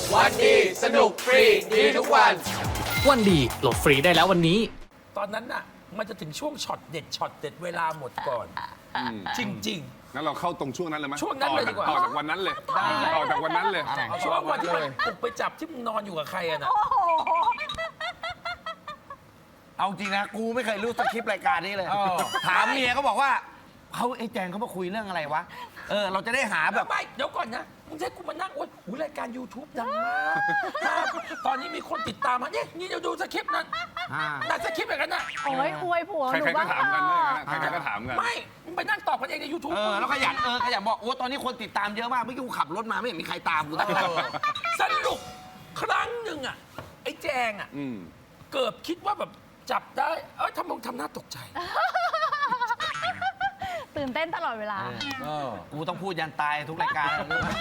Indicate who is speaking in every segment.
Speaker 1: วันดีสนุกฟรีดีทุกวัน
Speaker 2: วันดีโหลดฟรีได้แล้ววันนี้
Speaker 3: ตอนนั้นน่ะมันจะถึงช่วงช็อตเด็ดเวลาหมดก่อน จริง
Speaker 4: งั้นเราเข้าตรงช่วงนั้นเลยไหม
Speaker 3: ช่วงนั้นเลยดีกว่า
Speaker 4: ต่อจากวันนั้นเลยต่อจากวันนั้นเลย
Speaker 3: ๆ ช่วงวันที่มันปลุกไปจับที่มึงนอนอยู่กับใครอะนะ
Speaker 5: เอาจริงนะกูไม่เคยรู้สคริปต์รายการนี้เลย ถามเมียก็บอกว่าเขาไอ้แจงเขามาคุยเรื่องอะไรวะเราจะได้หาแบบ
Speaker 3: ไม่เดี๋ยวก่อนนะมึงจะให้กูมานั่งโอ๊ยหูรายการ YouTube ดังมากตอนนี้มีคนติดตามมาเนี่ยนี่เดี๋ยวดูสคริปต์นั้นแต่สคริปต์อย่างนั้นน่ะ
Speaker 6: โอ้ยอวยผัวห
Speaker 4: ใค
Speaker 6: นู
Speaker 4: รๆก็
Speaker 6: บ้าง
Speaker 4: ถามกัน
Speaker 6: เถ
Speaker 4: ด้วย
Speaker 6: อะ
Speaker 4: นะใครๆก็ถามกัน
Speaker 3: ไม่มึงไปนั่งตอบกันเองใน YouTube
Speaker 5: แล้วขยันบอกโอ้ตอนนี้คนติดตามเยอะมากเมื่อกี้กูขับรถมาไม่เห็นมีใครตามกูตั้งแต่
Speaker 3: สรุปครั้งหนึ่งอะไอ้แจงอะ
Speaker 4: อืม
Speaker 3: เกิดคิดว่าแบบจับได้ทำไมทำหน้าตกใจ
Speaker 6: ตื่นเต้นตลอดเวลา
Speaker 5: กูต้องพูดยันตายทุกรายการ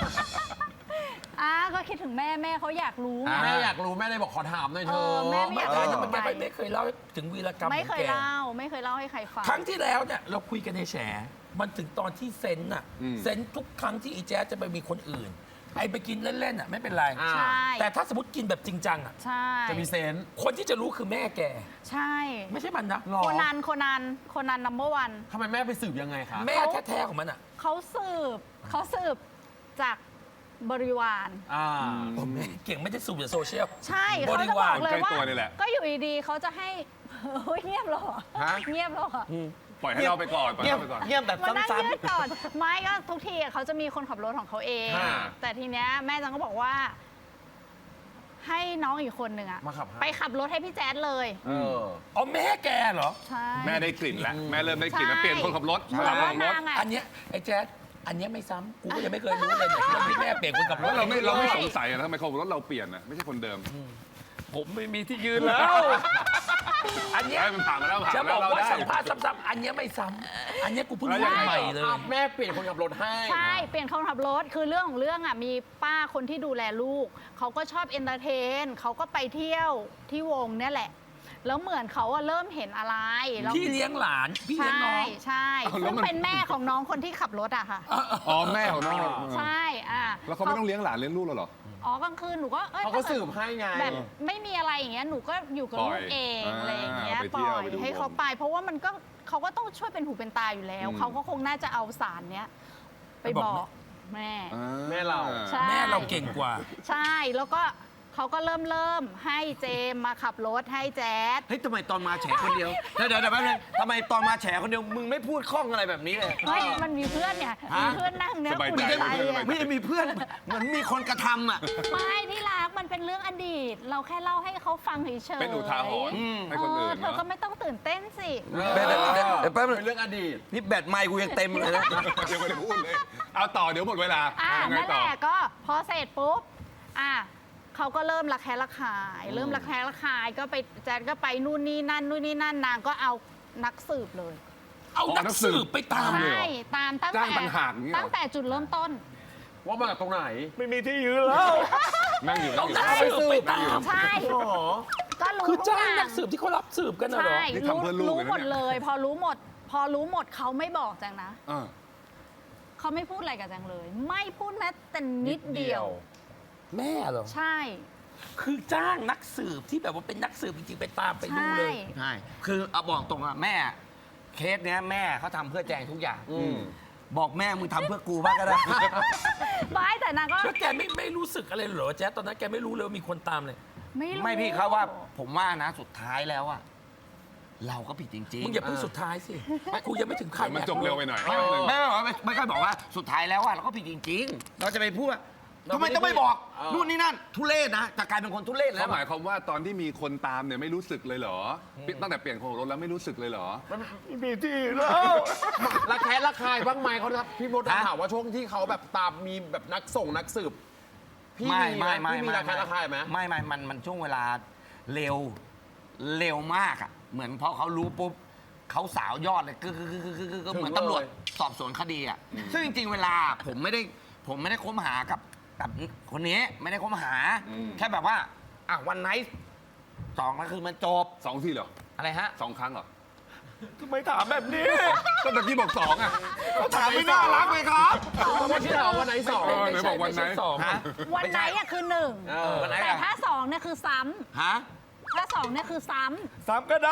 Speaker 6: ก็คิดถึงแม่แม่เขาอยากรู้ไง
Speaker 5: อ่า
Speaker 7: แม่อยากรู้แม่เลยบอกขอถามหน่อยเธ
Speaker 6: เอ
Speaker 7: อ
Speaker 6: อแม่ไม่
Speaker 3: ไม่
Speaker 6: อยาก
Speaker 3: ได้
Speaker 6: รู้
Speaker 3: มันแกไม่เคยเล่าถึงวีรกรรม
Speaker 6: ไม่
Speaker 3: ข
Speaker 6: เค
Speaker 3: อง
Speaker 6: ย
Speaker 3: แก
Speaker 6: เล่าไม่เคยเล่าให้ใครฟัง
Speaker 3: ครั้งที่แล้วเนี่ยเราคุยกันในแฉมันถึงตอนที่เซนน่ะ
Speaker 4: อืม
Speaker 3: เซนทุกครั้งที่อีแจ๊สจะไปมีคนอื่น ไอ้ไปกินเล่นๆอ่ะไม่เป็นไร
Speaker 7: อ่า
Speaker 6: ใช่
Speaker 3: แต่ถ้าสมมติกินแบบจริงจังอ่ะ
Speaker 6: ใช่
Speaker 7: จะมีเซนส์
Speaker 3: คนที่จะรู้คือแม่แก
Speaker 6: ใช่
Speaker 3: ไม่ใช่มันนะ
Speaker 7: หรอ
Speaker 6: โคนันนัมเบอร์วัน
Speaker 7: ทำไมแม่ไปสืบยังไงคะ
Speaker 3: แม่แท้ๆของมันอ่ะ
Speaker 6: เขาสืบจากบริวาร
Speaker 3: แม่เก่งไม่ได้สูบจากโซเชียล
Speaker 6: ใช่
Speaker 3: บ
Speaker 6: เขา
Speaker 3: ริ
Speaker 6: จะบ
Speaker 3: วา
Speaker 6: อ
Speaker 3: ร
Speaker 6: กเลยว่า
Speaker 4: ใกล้ตัวนี่แหละ
Speaker 6: ก็อยู่ดีๆเขาจะให้เฮ้ยเงียบเหรอ
Speaker 5: ฮะ
Speaker 6: เงียบเหรอ
Speaker 4: ปล่อยให้เราไปก่อนปล่อย
Speaker 5: เงีย
Speaker 4: ให้
Speaker 5: บ
Speaker 4: เราไปก่อน
Speaker 5: เงียบแบบ
Speaker 6: มานั่ง
Speaker 5: ซ้ำ
Speaker 6: ยืดก่อนไม่ก็ทุกทีอะเขาจะมีคนขับรถของเขาเอง
Speaker 7: อ่า
Speaker 6: แต่ทีเนี้ยแม่จังก็บอกว่า ให้น้องอีกคนหนึ่งอะ
Speaker 7: มาขับให้
Speaker 6: ไปขับรถให้พี่แจ๊ดเลย
Speaker 3: อ๋อแม่แกเหรอ
Speaker 6: ใช่
Speaker 4: แม่ได้กลิ่นแล้วแม่เริ่มได้กลิ่นแล้ว
Speaker 6: ใช่
Speaker 4: เปลี่ยนคนขับรถ
Speaker 6: เหมื
Speaker 4: ส
Speaker 6: อน
Speaker 4: ลับคน
Speaker 6: ว่า
Speaker 4: ขับรถ
Speaker 6: นางอะ
Speaker 3: อันเนี้ยไอ้แจ๊สอันเนี้ยไม่ซ้ำกูก็ยังไม่เคยรู้เลยเนี่ยเรื่องที่แม่เปลี่ยนคนขับร
Speaker 4: แล้
Speaker 3: ถ
Speaker 4: วเราไม่สงสัยอะทำไมคนขับรถเราเปลี่ยนอะไม่ใช่คนเดิม
Speaker 3: ผมไม่มีที่ยืนแล้ว อันเนี้ย
Speaker 4: ไอ้มันผ่านมาแล้วผ่าน
Speaker 3: จะ
Speaker 4: มา
Speaker 3: บ
Speaker 4: แล้
Speaker 3: อก
Speaker 4: วเรา
Speaker 3: ว่า
Speaker 4: ได้
Speaker 3: สัมภาษณ์ซ้ำๆอันเนี้ยไม่ซ้ำอันเนี้ยกูเพิ่ง
Speaker 4: แล้วยั
Speaker 3: รู้
Speaker 4: งไง
Speaker 3: ใหม่เลย
Speaker 7: แม่เปลี่ยนคนขับรถให้
Speaker 6: ใช่เปลี่ยนคนขับรถคือเรื่องของเรื่องอะมีป้าคนที่ดูแลลูกเขาก็ชอบเอนเตอร์เทนเขาก็ไปเที่ยวที่วงเนี่ยแหละ แล้วเหมือนเขาอะเริ่มเห็นอะไรแล้ว
Speaker 3: พี่เลี้ยงหลาน พี่เลี้ยงน้
Speaker 6: ใช่
Speaker 3: อง
Speaker 6: ใช่
Speaker 4: เอาแล้ว
Speaker 6: ซึ่ง
Speaker 4: มัน
Speaker 6: เป็นแม่ของน้องคนที่ขับรถอะค่ะ
Speaker 4: อ๋อแม่ของน้อง
Speaker 6: ใช่
Speaker 4: แล้วเขาไม่ต้องเลี้ยงหลานเลี้ยงลูกเราเหรอ
Speaker 6: กลางคืนหนูก็
Speaker 7: เขาก็
Speaker 6: ถ้กิด
Speaker 7: สืบให้ไง
Speaker 6: แบบไม่มีอะไรอย่างเงี้ยหนูก็อยู่กับ
Speaker 4: ปล่
Speaker 6: ลู
Speaker 4: อย
Speaker 6: กเอง
Speaker 4: อ่า
Speaker 6: อะไรอย่างเงี้ย
Speaker 4: ไป
Speaker 6: ป
Speaker 4: เที่ยว
Speaker 6: ล่อย
Speaker 4: ไปดู
Speaker 6: ให้เขาไป เพราะว่ามันก็เขาก็ต้องช่วยเป็นหูเป็นตาอยู่แล้ว
Speaker 4: อืม
Speaker 6: เขาก็คงน่าจะเอาสารเนี้ยไปบอกแม่
Speaker 7: แม่เรา
Speaker 6: ใช่
Speaker 3: แม่เราเก่งกว่า
Speaker 6: ใช่แล้วก็เขาก็เริ่มให้เจมมาขับรถให้แจ๊ด
Speaker 5: ๆเฮ้ยทำไมตอนมาแฉคนเดียวเดี๋ยวแป๊บนึงทำไมตอนมาแฉคนเดียวมึงไม่พูดคล่องอะไรแบบนี้เลย
Speaker 6: เฮ้ยมันมีเพื่อนเนี่ยมีเพื่อนนั่งเนี่ย
Speaker 4: สบาย
Speaker 6: อุ่น
Speaker 4: ใจ
Speaker 6: ใจ
Speaker 4: สบายใจ
Speaker 6: อะ
Speaker 5: ไม่ได้มีเพื่อนเหมือนมีคนกระทำอ่ะ
Speaker 6: ไม่ที่รักมันเป็นเรื่องอดีต เราแค่เล่าให้เขาฟังเฉยๆ
Speaker 4: เป็นอุทาหรณ์ให้คนอื่น
Speaker 6: เธอก็ไม่ต้องตื่นเต้นสิ
Speaker 5: เดี๋ยวแป๊บนึง
Speaker 7: เป็นเรื่องอดีต
Speaker 5: นี่แบตไมค์กูยังเต็มเลยนะ
Speaker 4: ยังไม่ได้พูดเลย เอาต่อเดี๋ยวหมดเวลายังไง
Speaker 6: นั่นแห
Speaker 4: ต่อ
Speaker 6: ละก็พอเสร็จปุ๊บเขาก็เริ่มระแคะระคาย เริ่มระแคะระคายก็ไปแจ๊ดก็ไปนู่นนี่นั่นนางก็เอานักสืบเลย
Speaker 3: เอานักสืบไปตามเลย
Speaker 6: ใช่ตามตั้ง
Speaker 4: จ้า
Speaker 6: แต่
Speaker 4: งต่างหากอย่างเงี้ยเหรอ
Speaker 6: ตั้งแต่จุดเริ่มต้น
Speaker 7: ว่ามาจากตรงไหน
Speaker 5: ไม่มีที่ยืนแล้ว
Speaker 4: นั่งอยู่
Speaker 3: เอา
Speaker 4: นั่งอยู่
Speaker 3: นักสืบไปตาม
Speaker 6: ใช่ ก็รู้
Speaker 3: คือ
Speaker 6: ทุก
Speaker 3: จ้า
Speaker 6: อง ย่าง
Speaker 3: นักสืบที่เขารับสืบกันน่ะเหรอ
Speaker 6: ใช่
Speaker 4: นี่ทำเพื่อลูก
Speaker 6: รู้
Speaker 4: เลยนะ
Speaker 6: หมด
Speaker 4: เนี่ย
Speaker 6: เลย พอรู้หมดเขาไม่บอกจังนะ
Speaker 4: อ่า
Speaker 6: เขาไม่พูดอะไรกับจังเลย ไม่พูดแม้แต่นิดเดียว
Speaker 3: แม่เหรอ
Speaker 6: ใช่
Speaker 3: คือจ้างนักสืบที่แบบว่าเป็นนักสืบจริงๆไปตามไปดูเลย
Speaker 5: ใช่ คือเอาบอกตรงอะแม่เคสเนี้ยแม่เขาทำเพื่อแจงทุกอย่าง บอกแม่มึงทำเพื่อกูบ้างก็ได้
Speaker 6: ไม่แต่นางก็
Speaker 3: แล้วแกไม่รู้สึกอะไรเหรอแจ๊สตอนนั้นแกไม่รู้เลยว่ามีคนตามเลย
Speaker 6: ไม่รู้
Speaker 5: ไม่พี่เขาว่าผมว่านะสุดท้ายแล้วอะเราก็ผิดจริงๆ
Speaker 3: มึงอย่าเพิ่งสุดท้ายสิกูยังไม่ถึงใคร
Speaker 4: เดี๋ยวมันจบเร็วไปหน่อย
Speaker 5: ไม่ค่อยบอกว่าสุดท้ายแล้วอะเราก็ผิดจริง ๆ เราจะไปพูดว่าทำไมต้องไม่บอกนู่นนี่นั่นทุเรศนะจะกลายเป็นคนทุเรศแล้
Speaker 4: เขา
Speaker 5: ว
Speaker 4: หมายความว่าตอนที่มีคนตามเนี่ยไม่รู้สึกเลยเหรอ ตั้งแต่เปลี่ยนคนขับรถแล้วไม่รู้สึกเลยเหรอ
Speaker 5: มีที่แล้ว
Speaker 7: ระแคะระคายบ้างไหมเขาครับพี่มด
Speaker 5: ฮะ
Speaker 7: ถามว่าช่วงที่เขาแบบตามมีแบบนักสืบพี่
Speaker 5: ไม่
Speaker 7: มีไหม
Speaker 5: ไม่
Speaker 7: พี่มีระแคะระคายไหม
Speaker 5: ไม่มันช่วงเวลาเร็วมากอะเหมือนพอเขารู้ปุ๊บเขาสาวยอดเลยก็เหมือนตำรวจสอบสวนคดีอะซึ่งจริงๆเวลาผมไม่ได้คบหากับคนนี้ไม่ได้คบหา แค่แบบว่าวันไนท์2ก็คือมันจบ
Speaker 4: 2 ทีเหรอ
Speaker 5: อะไรฮะ
Speaker 4: 2 ครั้งเหรอ
Speaker 5: ทำไมถามแบบนี้
Speaker 4: ก็ตะกี้บอกสองอ่ะ
Speaker 5: ถามไม่น่ารักเลยครับ
Speaker 7: วันที่2วันไหน2
Speaker 4: ไหนบอกวันไหน
Speaker 3: สอง
Speaker 5: ฮะ
Speaker 6: วันไหนอะคือหนึ่ง
Speaker 5: วันไหน
Speaker 6: แต่
Speaker 5: อะ
Speaker 6: ถ้าสองเนี่ยคือซ้
Speaker 5: ฮะ
Speaker 6: ำถ้าสองเนี่ยคือซ้
Speaker 5: ซ้ำก็ได้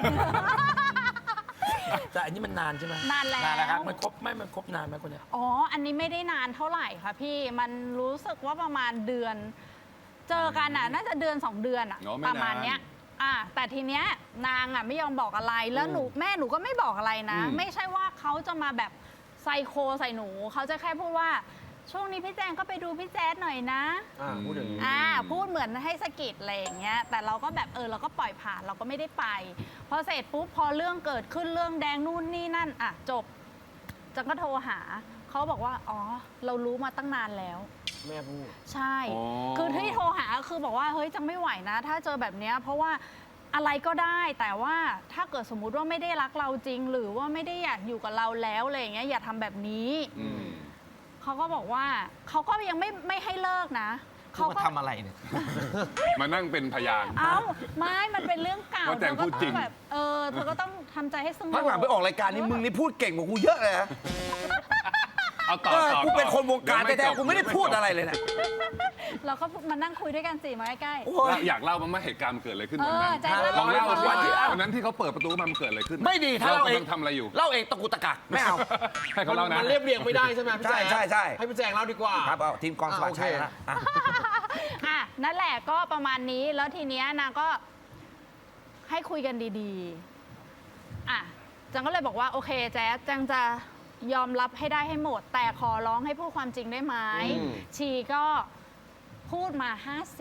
Speaker 3: แต่อันนี้มันนานใช่ไหม
Speaker 6: ำนานแล้ว
Speaker 5: นานแล้วครับ
Speaker 3: มันครบนานไหมคนเนี้ย
Speaker 6: อ๋อ อันนี้ไม่ได้นานเท่าไหร่ค่ะพี่ มันรู้สึกว่าประมาณเดือน เจอกันอ่ะ น่าจะเดือน 2 เดือนอ่ะ
Speaker 4: อ๋อไม่
Speaker 6: ประมาณ
Speaker 4: นาน
Speaker 6: เนี้ย แต่ทีเนี้ยนางอ่ะไม่ยอมบอกอะไร แล้วแม่หนูก็ไม่บอกอะไรนะ ไม่ใช่ว่าเขาจะมาแบบไซโคใส่หนู เขาจะแค่พูดว่า ช่วงนี้พี่แจงก็ไปดูพี่แจ๊ดหน่อยนะ
Speaker 7: พูดถึง
Speaker 6: พูดเหมือนให้สะกิดอะไรอย่างเงี้ย แต่เราก็แบบเราก็ปล่อยผ่านเราก็ไม่ได้ไป พอเสร็จปุ๊บพอเรื่องเกิดขึ้นเรื่องแดงนู่นนี่นั่นจบจังก็โทรหาเขาบอกว่าอ๋อเรารู้มาตั้งนานแล้ว
Speaker 7: แม่พูด
Speaker 6: ใช่
Speaker 4: อ๋อ
Speaker 6: คือที่โทรหาคือบอกว่าเฮ้ยจังไม่ไหวนะ ถ้าเจอแบบเนี้ยเพราะว่าอะไรก็ได้แต่ว่าถ้าเกิดสมมุติว่าไม่ได้รักเราจริง หรือว่าไม่ได้อยากอยู่กับเราแล้วอะไรอย่างเงี้ยอย่าทำแบบนี้ เขาก็บอกว่าเขาก็ยังไม่ให้เลิกนะ
Speaker 5: เขามาทำอะไรเนี่ย
Speaker 4: มานั่งเป็นพยาน
Speaker 6: ไม่มันเป็นเรื่องเก่า
Speaker 4: ว่าแต่งพูดจริง
Speaker 6: เธอก็ต้องแบบเธอก็ต้องทำใจให้สงบ
Speaker 5: พักหลังไปออกรายการนี้มึงนี่พูดเก่งกว่ากูเยอะเลยนะ
Speaker 4: เอาต่อต่อ
Speaker 5: กูเป็นคนวงการ
Speaker 4: เดี๋ยว
Speaker 5: แท้
Speaker 4: จบ
Speaker 5: ๆกูไม่ได้พูดอะไรเลยนะ
Speaker 6: เราก็มานั่งคุยด้วยกันสิมาใกล้
Speaker 5: โอ้ย
Speaker 4: อยากเล่าบ้างไหมเหตุการณ์มันเกิดอะไรขึ้นวันนั้น
Speaker 6: แจ๊คเล่า
Speaker 4: ลองเล่า
Speaker 6: ให้
Speaker 4: สิ
Speaker 6: ฟัง
Speaker 4: วันนั้นที่เขาเปิดประตูมามันเกิดอะไรขึ้น
Speaker 5: ไม่ดีถ้า
Speaker 4: เรา
Speaker 5: เราเอง
Speaker 4: กำลังทำอะไรอยู่
Speaker 5: เล่าเองตะกุตะกักไม่เอา
Speaker 4: ให้เขาเล่านะ
Speaker 7: มันเรียบเรียงไม่ได้ใช่ไหมพี่แจง
Speaker 5: ใช่ใช่
Speaker 7: ให้พี่แจงเล่าดีกว่า
Speaker 5: ครับเอาทีมกองสวัสดิ์ชัยนะ
Speaker 6: นั่นแหละก็ประมาณนี้แล้วทีเนี้ยนางก็ให้คุยกันดีๆจังก็เลยบอกว่าโอเคแจ๊สจังจะยอมรับให้ได้ให้หมด แต่ขอร้องให้พูดความจริงได้ไหมชีก็พูดมา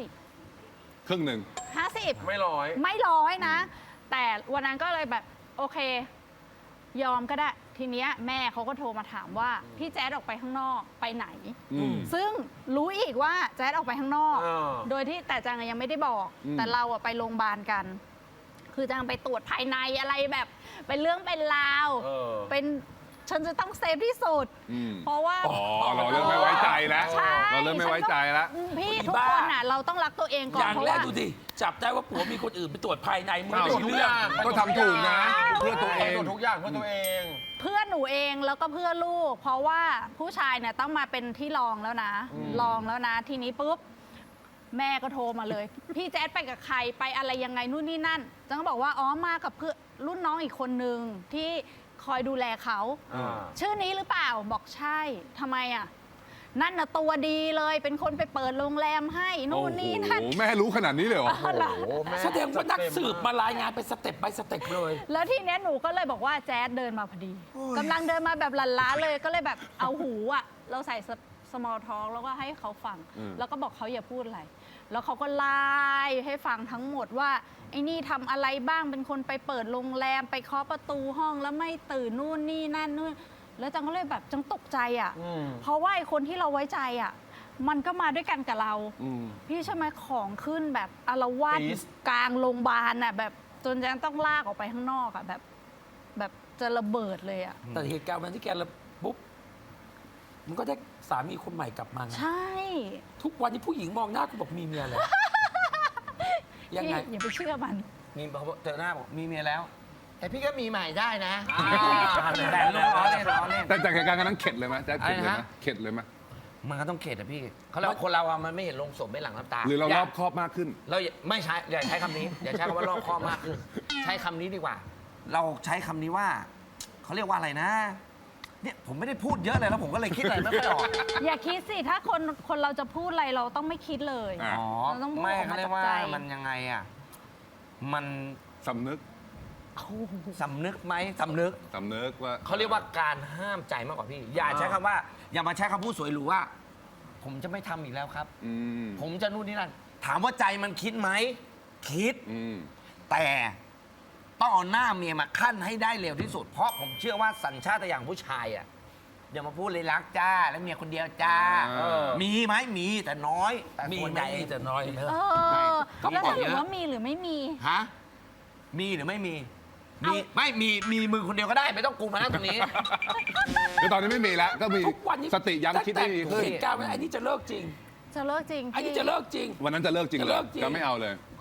Speaker 6: 50
Speaker 4: ครึ่งหนึ่ง
Speaker 6: 50
Speaker 7: ไม่ร้อย
Speaker 6: ไม่ร้อยนะ แต่วันนั้นก็เลยแบบโอเค ยอมก็ได้ ทีเนี้ยแม่เขาก็โทรมาถามว่าพี่แจ๊ดออกไปข้างนอกไปไหน ซึ่งรู้อีกว่าแจ๊ดออกไปข้างนอก โดยที่แต่จังยังไม่ได้บอก แต่เราไปโรงพยาบาลกัน คือจังไปตรวจภายในอะไรแบบเป็นเรื่องเป็นราวเป็นฉันจะต้องเซฟที่สุด เพราะว่า
Speaker 4: อ๋อเราเริ่มไม่ไว้ใจแล้ว
Speaker 6: ใช่
Speaker 4: เราเริ่มไม่ไว้ใจแล้ว
Speaker 6: พี่ทุกคนเราต้องรักตัวเองก่อ
Speaker 3: อน ย่าง
Speaker 6: เพราะ
Speaker 3: แรก
Speaker 6: ว่า
Speaker 3: ดูดิจับได้ว่าผัวมีคนอื่นไปตรวจภายในมึง
Speaker 4: อ้าว
Speaker 3: ไม่รู้เรื่อง
Speaker 4: ก็ทำถูกนะ เพื่อตัวเอง
Speaker 7: ทุกอย่างเพื่อตัวเอง
Speaker 6: เพื่อนหนูเองแล้วก็เพื่อลูก เพราะว่าผู้ชายเนี่ยต้องมาเป็นที่รองแล้วนะรองแล้วนะ ทีนี้ปุ๊บแม่ก็โทรมาเลย พี่แจ๊ดไปกับใครไปอะไรยังไงนู่นนี่นั่นจังก็บอกว่าอ๋อมากับเพื่อนรุ่นน้องอีกคนนึงที่คอยดูแลเขาชื่อนี้หรือเปล่าบอกใช่ทำไมนั่นน่ะตัวดีเลยเป็นคนไปเปิดโรงแรมให้นู่นนี่นั่น
Speaker 4: โอ้โหแม่รู้ขนาดนี้เลยเหรอ
Speaker 3: แสดงว่านักสืบมารายงานเป็นสเต็ปไปสเต็ปเลย
Speaker 6: แล้วทีเนี้ยหนูก็เลยบอกว่าแจ๊ดเดินมาพอดีกำลังเดินมาแบบหลั่นล้าเลยก็เลยแบบเอาหูเราใส่small talk แล้วก็ให้เขาฟัง แล้วก็บอกเขาอย่าพูดอะไร แล้วเขาก็ไล่ให้ฟังทั้งหมดว่าไอ้นี่ทำอะไรบ้างเป็นคนไปเปิดโรงแรมไปเคาะประตูห้องแล้วไม่ตื่นนู่นนี่นั่นนู่นแล้วจังก็เลยแบบจังตกใจเพราะว่าไอ้คนที่เราไว้ใจมันก็มาด้วยกันกับเราพี่ใช่ไหมของขึ้นแบบอาละวาดกลางโรงพยาบาลแบบจนจังต้องลากออกไปข้างนอกแบบจะระเบิดเลย
Speaker 3: แต่เหตุการณ์วันที่แกระปุ๊บมันก็ได้สามีคนใหม่กลับมาไง
Speaker 6: ใช่
Speaker 3: ทุกวันนี้ผู้หญิงมองหน้ากูบอกมีเมียเลยยังไง
Speaker 6: พี่อย่าไปเชื่อมัน
Speaker 5: มีบอกเจอหน้าบอกมีเมียแล้ว
Speaker 7: แต่พี่ก็มีใหม่ได้นะ
Speaker 5: แต่ล้อเล่นล้อเล่น
Speaker 4: แต่จากเหตุการณ์นั้นเข็ดเลยไหมแจ๊คเข็ดเลยไหม
Speaker 5: อะไรนะ
Speaker 4: เข็ดเลยไหม
Speaker 5: มันก็ต้องเข็ดอะพี่เขาเรียกว่าคนเรามันไม่เห็นลงศพไม่หลังน้ำตา
Speaker 4: หรือเรารอบคอบมากขึ้น
Speaker 5: เราไม่ใช้อย่าใช้คำนี้อย่าใช้คำว่ารอบคอบมากขึ้นใช้คำนี้ดีกว่า เราใช้คำนี้ว่าเขาเรียกว่าอะไรนะเนี่ยผมไม่ได้พูดเยอะเลยแล้วผมก็เลยคิดอะไรไม่ค่อยออก
Speaker 6: อย่าคิดสิถ้าคนเราจะพูดอะไรเราต้องไม่คิดเลย
Speaker 4: อ่ะ
Speaker 5: อ๋อ
Speaker 6: เราต้องพูด
Speaker 5: ไม่
Speaker 6: ออก
Speaker 5: เขา
Speaker 6: มา
Speaker 5: เรีย
Speaker 6: จาก
Speaker 5: กว่า
Speaker 6: ใจ
Speaker 5: มันยังไงอ่ะมัน
Speaker 4: สำนึก
Speaker 5: สำนึกไหมสำนึก
Speaker 4: สำนึกว่า
Speaker 5: เขาเรียกว่าการห้ามใจมากกว่าพี่ อย่าใช้คำว่า อย่ามาใช้คำพูดสวยหรูว่า ผมจะไม่ทำอีกแล้วครับ ผมจะนู่นนี่นั่นถามว่าใจมันคิดไหมคิด แต่ต้องเอาหน้าเมียมาขั้นให้ได้เร็วที่สุด เพราะผมเชื่อว่าสัญชาตญาณผู้ชายอ่ะอย่ามาพูดเลยรักจ้า แล้วเมียคนเดียวจ้า มีไหมมีแต่น้อยแต่
Speaker 3: มี
Speaker 5: ส่วน
Speaker 3: ไห
Speaker 5: ให
Speaker 3: ม
Speaker 5: ญ่
Speaker 3: มีแต่น้อยเนอะ
Speaker 6: แล้วสรุปว่ามีหรือไม่มี
Speaker 5: ฮะมีหรือไม่มีไม่มีมือคนเดียวก็ได้ไม่ต้องกูมานั่งตรงนี้
Speaker 4: คือตอนนี้ไม่มีแล้ว ก็มี
Speaker 3: ทุกวันนี้
Speaker 4: สติย้ำคิดให้ดีขึ้น
Speaker 3: เหตุการณ์วันไอ้นี่จะเลิกจริง
Speaker 6: จะเลิกจริง
Speaker 3: ไอ้นี่
Speaker 6: พี่
Speaker 3: จะเลิกจริง
Speaker 4: วันนั้นจะเลิกจริง
Speaker 3: จะ
Speaker 4: เล
Speaker 3: เลิ
Speaker 4: ย
Speaker 3: กจริง
Speaker 4: จะไม่เอาเลย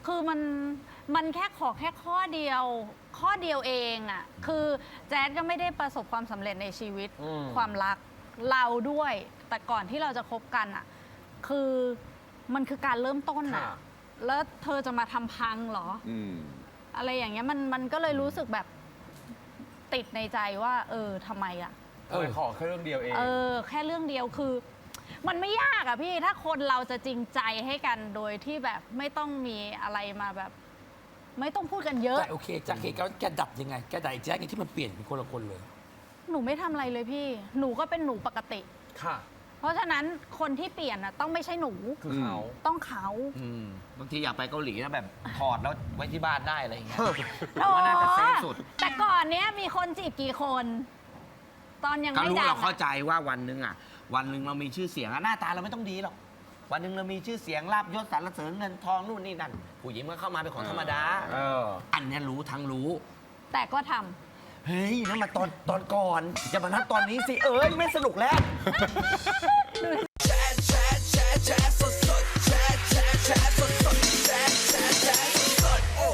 Speaker 6: คือมันแค่ขอแค่ข้อเดียวเองอ่ะคือแจ๊ดก็ไม่ได้ประสบความสำเร็จในชีวิตความรักเราด้วย แต่ก่อนที่เราจะคบกันอ่ะคือมันคือการเริ่มต้นอ่ะแล้วเธอจะมาทำพังเหรออะไรอย่างเงี้ยมันก็เลยรู้สึกแบบติดในใจว่าทำไมอ่ะ
Speaker 7: ขอแค่เรื่องเดียวเอง
Speaker 6: แค่เรื่องเดียวคือ มันไม่ยากอะพี่ถ้าคนเราจะจริงใจให้กันโดยที่แบบไม่ต้องมีอะไรมาแบบ ไม่ต้องพูดกันเยอะ
Speaker 3: แต่โอเคจากเหตุการณ์แกดับยังไงแกดับแจ๊คไงที่มันเปลี่ยนเป็นคนละคนเลย
Speaker 6: หนูไม่ทำอะไรเลยพี่ หนูก็เป็นหนูปกติ
Speaker 7: ค่ะ
Speaker 6: เพราะฉะนั้นคนที่เปลี่ยนอะต้องไม่ใช่หนู
Speaker 7: คือเขา
Speaker 6: ต้องเขา
Speaker 5: บางทีอยากไปเกาหลีแล้วแบบถอดแล้วไว้ที่บ้านได้อะไรอย่างเงี้ย
Speaker 6: โอ้
Speaker 5: ว่าน่าจะเซฟสุด
Speaker 6: แต่ก่อนเนี้ยมีคนจีบกี่คน ตอนยัง
Speaker 5: ก็
Speaker 6: ไม่
Speaker 5: รู้
Speaker 6: ดัง
Speaker 5: เราเข้าใจว่าวันหนึ่งเรามีชื่อเสียงหน้าตาเราไม่ต้องดีหรอกวันหนึ่งเรามีชื่อเสียงลาบยศสรรเสริญเงินทองนู่นนี่นั่นผู้หญิงมันเข้ามาเป็นของธรรมดาอันเนี้ยรู้ทั้งรู้
Speaker 6: แต่ก็ทำ
Speaker 5: เฮ้ยนั่นมาตอนก่อนอย่ามานัดตอนนี้สิไม่สนุกแล้ว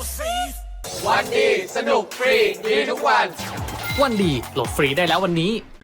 Speaker 1: วันดีสนุกฟรีดีทุกวัน
Speaker 2: วันดีโหลดฟรีได้แล้ววันนี้